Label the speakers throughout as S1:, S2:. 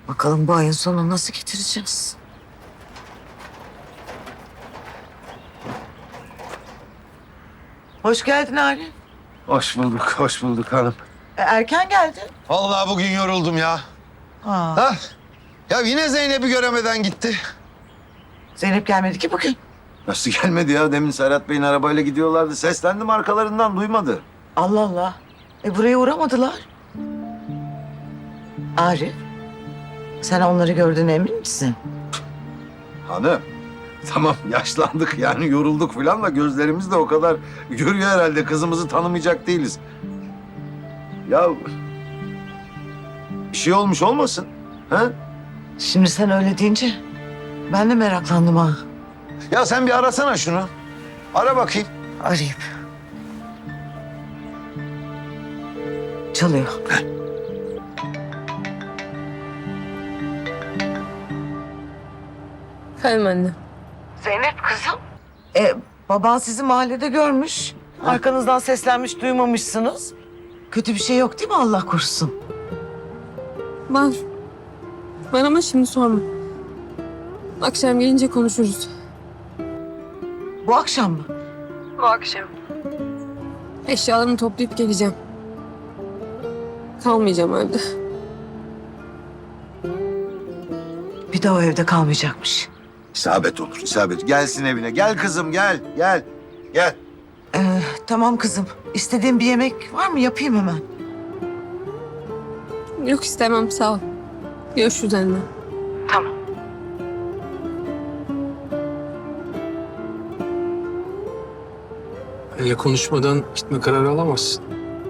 S1: Bakalım bu ayın sonunu nasıl getireceğiz? Hoş geldin Arif.
S2: Hoş bulduk hanım.
S1: Erken geldin.
S2: Vallahi bugün yoruldum ya.
S1: Ha.
S2: Ha? Ya yine Zeynep'i göremeden gitti.
S1: Zeynep gelmedi ki bugün.
S2: Nasıl gelmedi ya? Demin Serhat Bey'in arabayla gidiyorlardı. Seslendim arkalarından, duymadı.
S1: Allah Allah. Buraya uğramadılar. Arif, sen onları gördüğüne emin misin?
S2: Hanım, tamam yaşlandık yani yorulduk falan da gözlerimiz de o kadar görüyor herhalde. Kızımızı tanımayacak değiliz. Ya bir şey olmuş olmasın? Ha?
S1: Şimdi sen öyle deyince ben de meraklandım ha.
S2: Ya sen bir arasana şunu. Ara bakayım.
S1: Arayayım. Çalıyor.
S3: Efendim anne.
S1: Zeynep kızım. Baban sizi mahallede görmüş. Arkanızdan seslenmiş, duymamışsınız. Kötü bir şey yok değil mi Allah korusun?
S3: Var. Var ama şimdi sorma. Akşam gelince konuşuruz.
S1: Bu akşam mı?
S3: Bu akşam. Eşyalarımı toplayıp geleceğim. Kalmayacağım evde.
S1: Bir de o evde kalmayacakmış.
S2: İsabet olur, isabet. Gelsin evine. Gel kızım, gel, gel. Gel.
S1: Tamam kızım. İstediğin bir yemek var mı? Yapayım hemen.
S3: Yok istemem sağ ol. Görüşürüz anne.
S1: Tamam.
S4: Benimle konuşmadan gitme kararı alamazsın.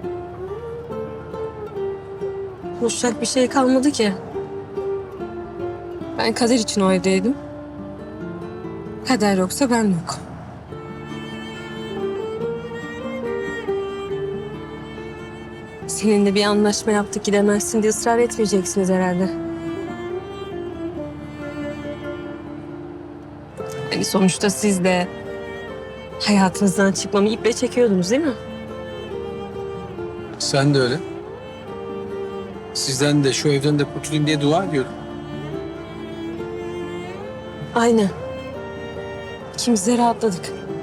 S3: Konuşacak bir şey kalmadı ki. Ben Kader için o evdeydim. Kader yoksa ben yok. Seninle bir anlaşma yaptık gidemezsin diye ısrar etmeyeceksiniz herhalde. Hani sonuçta siz de hayatınızdan çıkmamı iple çekiyordunuz değil mi?
S4: Sen de öyle. Sizden de şu evden de kurtulayım diye dua ediyordum.
S3: Aynen. İkimiz de rahatladık.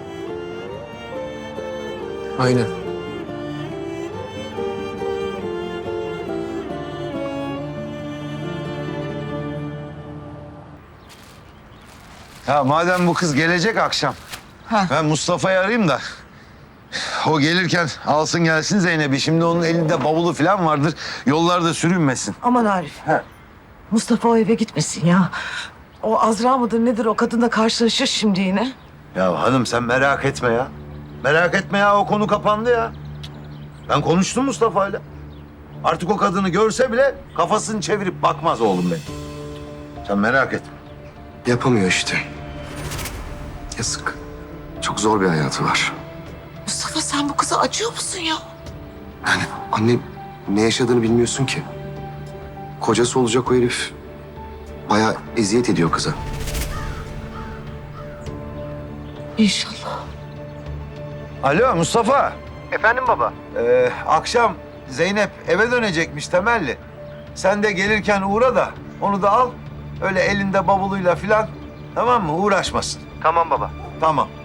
S4: Aynen.
S2: Ya madem bu kız gelecek akşam,
S1: Ha.
S2: ben Mustafa'yı arayayım da o gelirken alsın gelsin Zeynep'i. Şimdi onun elinde bavulu falan vardır. Yollarda sürünmesin.
S1: Aman Arif. Mustafa o eve gitmesin ya. O Azra mıdır nedir o kadınla karşılaşır şimdi yine.
S2: Ya hanım sen merak etme ya. Merak etme ya, o konu kapandı ya. Ben konuştum Mustafa'yla. Artık o kadını görse bile kafasını çevirip bakmaz oğlum benim. Sen merak etme.
S5: Yapamıyor işte. Yazık. Çok zor bir hayatı var.
S1: Mustafa sen bu kıza acıyor musun ya?
S5: Yani anne ne yaşadığını bilmiyorsun ki. Kocası olacak o herif bayağı eziyet ediyor kıza.
S1: İnşallah.
S2: Alo Mustafa.
S6: Efendim baba?
S2: Akşam Zeynep eve dönecekmiş temelli. Sen de gelirken uğra da onu da al. Öyle elinde bavuluyla filan, tamam mı? Uğraşmasın.
S6: Tamam baba.
S2: Tamam.